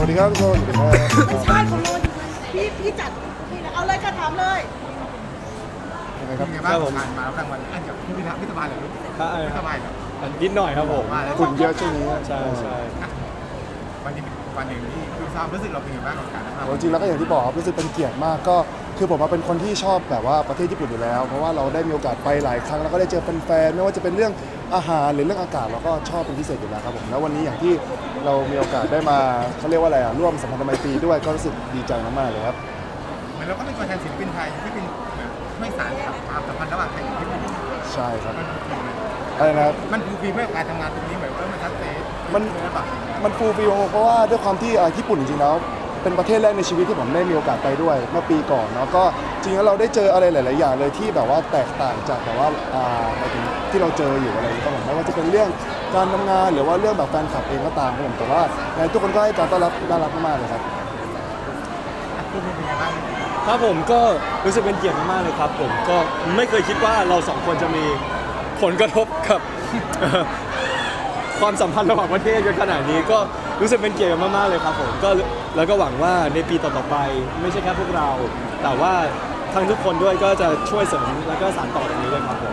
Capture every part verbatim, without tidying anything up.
ดีครับทุกคนสวัสดีครับใช่คนรออยู่พี่พี่จัดพี่นะเอาเลยค่ะถามเลยยังไงครับเป็นไงบ้างผ่านมาแล้วกลางวันอันกับพี่พิธาไม่สบายเหรอลูกใช่ไม่สบายเหรอนิดหน่อยครับผมว่าแล้วฝุ่นเยอะช่วงนี้ใช่ใช่วันนี้วันหนึ่งที่ดูซ้อมรู้สึกเราเป็นยังไงบ้างกับการทำงานโอ้จริงแล้วก็อย่างที่บอกครับรู้สึกเป็นเกียรติมากก็คือผมมาเป็นคนที่ชอบแบบว่าประเทศญี่ปุ่นอยู่แล้ว เพราะว่าเราได้มีโอกาสไปหลายครั้งแล้วก็ได้เจอแฟนๆไม่ว่าจะเป็นเรื่องอาหารหรือเรื่องอากาศเราก็ชอบเป็นพิเศษอยู่แล้วครับผมแล้ววันนี้อย่างที่เรามีโอกาสได้มาเขาเรียกว่าอะไรอ่ะร่วมสัมพันธไมตรีด้วยก็รู้สึกดีใจมากๆเลยครับเหมือนเราก็เป็นตัวแทนศิลปินไทยที่เป็นแบบช่วยสานความสัมพันธ์ระหว่างไทยกับญี่ปุ่นใช่ครับมันฟูลฟิลอะไรนะครับมันฟูลฟิลเมื่อการทำงานตรงนี้แบบว่ามันชัดเจนมันเลยหรือเปล่ามันฟูลฟิลเพราะว่าด้วยความที่อ่าญี่ปุ่นจริงๆแล้วเป็นประเทศแรกในชีวิตที่ผมได้มีโอกาสไปด้วยเมื่อปีก่อนเนาะก็จริงๆแล้วเราได้เจออะไรหลาย ๆ อย่างเลยที่แบบว่าแตกต่างจากแบบว่าอ่าหมายถึงที่เราเจออยู่อะไรอย่างเงี้ยครับผมไม่ว่าจะเป็นเรื่องการทำงานหรือว่าเรื่องแบบแฟนคลับเองก็ตามครับผมแต่ว่าในทุกคนก็ให้การต้อนรับน่ารักมากๆเลยครับฟูลฟิลเป็นยังไงบ้างครับผมก็รู้สึกเป็นเกียรติมากๆเลยครับผมก็ไม่เคยคิดว่าเราสองคนจะมีผลกระทบกับ ความสัมพันธ์ระหว่างประเทศกันขนาดนี้ก็รู้สึกเป็นเกียรติมากๆเลยครับผมก็แล้วก็หวังว่าในปีต่อๆไปไม่ใช่แค่พวกเรา แต่ว่าทั้งทุกคนด้วยก็จะช่วยเสริมแล้วก็สานต่อตรงนี้ด้วยครับผม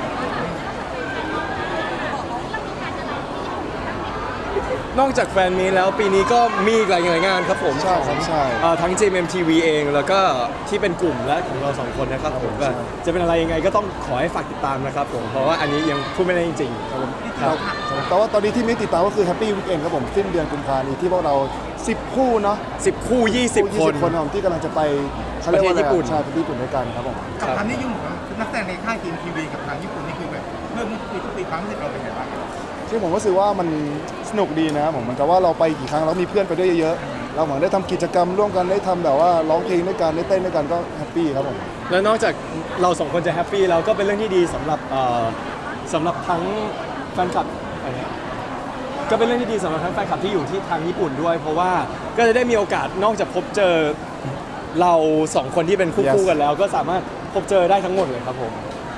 นอกจากแฟนมีตแล้วปีนี้ก็มีอีกหลายงานครับผมใช่ครับใช่เอ่อทั้ง จี เอ็ม เอ็ม ที วี เองแล้วก็ที่เป็นกลุ่มและของเราสองคนนะครับผมก็จะเป็นอะไรยังไงก็ต้องขอให้ฝากติดตามนะครับผมเพราะว่าอันนี้ยังพูดไม่ได้จริงๆครับผมครับแต่ว่าตอนนี้ที่มีติดตามก็คือ Happy Weekend ครับผมสิ้นเดือนกุมภาพันธ์นี้ที่พวกเราสิบคู่เนาะสิบคู่ยี่สิบยี่คสินบคนครับผมที่กำลังจะไปเขาเรียกว่าอะไรประเทศญี่ปุ่นใช่ประเทศญี่ปุ่นด้วยกันครับผมกับความนิยมของนักแสดงในค่ายทีมทีวีกับทางญี่ปุ่นนี่คือแบบเพิ่มขึ้นทุกปีทุกปีความรู้สึกเราเป็นยังไงบ้างที่ผมก็รู้สึกว่ามันสนุกดีนะครับผมเหมือนกับว่าเราไปกี่ครั้งแล้วมีเพื่อนไปด้วยเยอะๆเราเหมือนได้ทำกิจกรรมร่วมกันได้ทำแบบว่าร้องเพลงด้วยกันได้เต้นด้วยกันก็แฮปปี้ครับผมแล้วนอกจากเราสองคนจะแฮปปี้แล้วก็เป็นเรื่องที่ดีสำหรับเอ่อสำหรับทั้งแฟนคลับอะไรเนี่ยก็เป็นเรื่องที่ดีสำหรับทั้งแฟนคลับที่อยู่ที่ทางญี่ปุ่นด้วย เพราะว่าก็จะได้มีโอกาสนอกจากพบเจอเราสองคนที่เป็นคู่ Yes คู่กันแล้ว ก็สามารถพบเจอได้ทั้งหมดเลยครับผม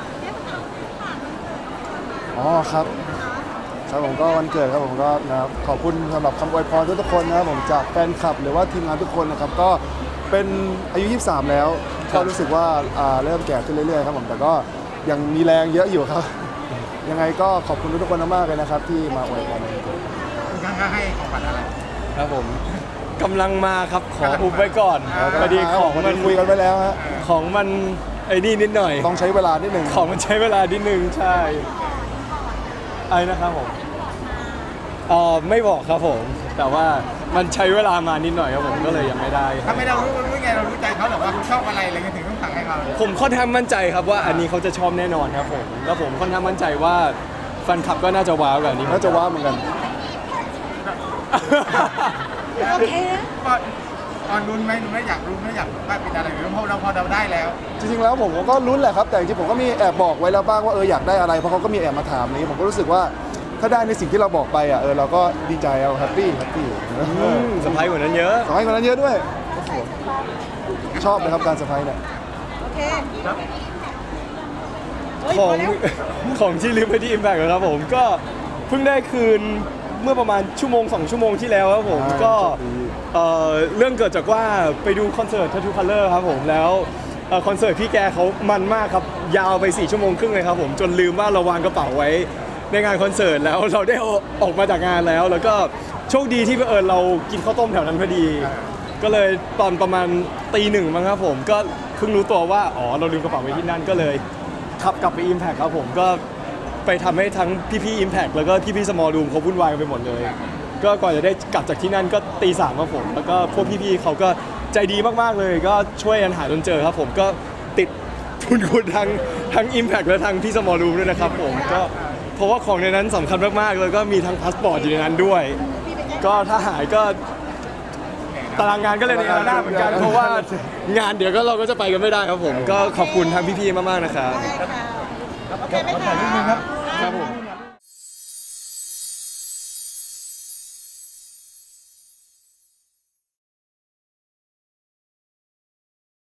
อ๋อครับครับผมก็วันเกิดครับผมก็นะครับขอบคุณสำหรับคำอวยพรทุกๆคนนะครับผมจากแฟนคลับหรือว่าทีมงานทุกคนนะครับก็เป็นอายุยี่สิบสามแล้วครัก็บรู้สึกว่าอ่าเริ่มแก่ขึ้นเรื่อยๆครับผมแต่ก็ยังมีแรงเยอะอยู่ครับ ยังไงก็ขอบคุณทุกๆคนมากๆเลยนะครับที่มาอวยพรในวันเกิดคุณข้างๆให้ของขวัญอะไรครับผมกำลังมาครับขออุบไว้ก่อนอ่าพอดีของวันมันี้นคุยกันไว้แล้วฮะของมันไอ้นี่นิดหน่อยต้องใช้เวลานิดหนึ่งของมันใช้เวลานิดนึงใช่ไอ้นะครับผมเอ่อไม่บอกครับผม แต่ว่ามันใช้เวลามานิดหน่อยครับผมก็เลยยังไม่ได้ครัถ้าบไม่เรารู้รู้ไงเรารู้ใจเขาหรอว่าเขาชอบอะไรอะไรเงี้ยถึงต้องสั่งให้เขาผมค่อนข้างมั่นใจครับว่าอันนี้เขาจะชอบแน่นอนครับผมแล้วผมค่อนข้างมั่นใจว่าแฟนคลับก็น่าจะว้าวกับอันนี้น่าจะว้าวเหมือนกันโอเคนะก็ตอนรุ้นไหมรุ้นไหมอยากรู้ไหมอยากว่าเป็นอะไรหรือเพราะเราพอเราได้แล้วจริงๆแล้วผมก็ลุ้นแหละครับแต่จริงๆผมก็มีแอบบอกไว้แล้วบ้างว่าเอออยากได้อะไรเพราะเขาก็มีแอบมาถามนี้ผมก็รู้สึกว่าถ้าได้ในสิ่งที่เราบอกไปอ่ะเออเราก็ดีใจเอาแฮปปี้แฮปปี้สะพายกว่านั้นเยอะขอให้คนนั้นเยอะด้วยชอบนะครับการเซอร์ไพรส์เนี่ยโอเคเฮ้ยขพองอแล้วของที่ลืมไปที่ Impact นะครับผมก็เพิ่งได้คืนเมื่อประมาณชั่วโมงสองชั่วโมงที่แล้วครับผมก็เอ่อเรื่องเกิดจากว่าไปดูคอนเสิร์ต Tattoo Color ครับผมแล้วเอ่อคอนเสิร์ตพี่แกเขามันมากครับยาวไปสี่ชั่วโมงครึ่งเลยครับผมจนลืมว่าเราวางกระเป๋าไว้ในงานคอนเสิร์ตแล้วเราได้ออกมาจากงานแล้ว แล้วก็โชคดีที่เออเรากินข้าวต้มแถวนั้นพอดี ก็เลยตอนประมาณตีหนึ่งมั้งครับผมก็เพิ่งรู้ตัวว่าอ๋อเราลืมกระเป๋าไว้ที่นั่นก็เลยขับกลับไป Impact ครับผมก็ไปทำให้ทั้งพี่ๆ Impact แล้วก็พี่ๆ Small Room เขาวุ่นวายกันไปหมดเลย ก็ก่อนจะได้กลับจากที่นั่นก็ตีสามครับผมแล้วก็พวกพี่ๆเขาก็ใจดีมากๆเลย ก็ช่วยกันหาจนเจอครับผมก็ติดคุณคุณทั้งทั้ง Impact และทั้งพี่ Small Room ด้วยนะครับผมก็เพราะว่าของในนั้นสำคัญมากๆแล้วก็มีทั้งพาสปอร์ตอยู่ในนั้นด้วย ก็ถ้าหายก็ตารางงานก็เลยในอาณาเหมือนกันเพราะว่างานเดี๋ยวก็เราก็จะไปกันไม่ได้ครับผมก็ขอบคุณทางพี่ๆมากๆนะครับได้ค่ะโอเคไหมคะครับผม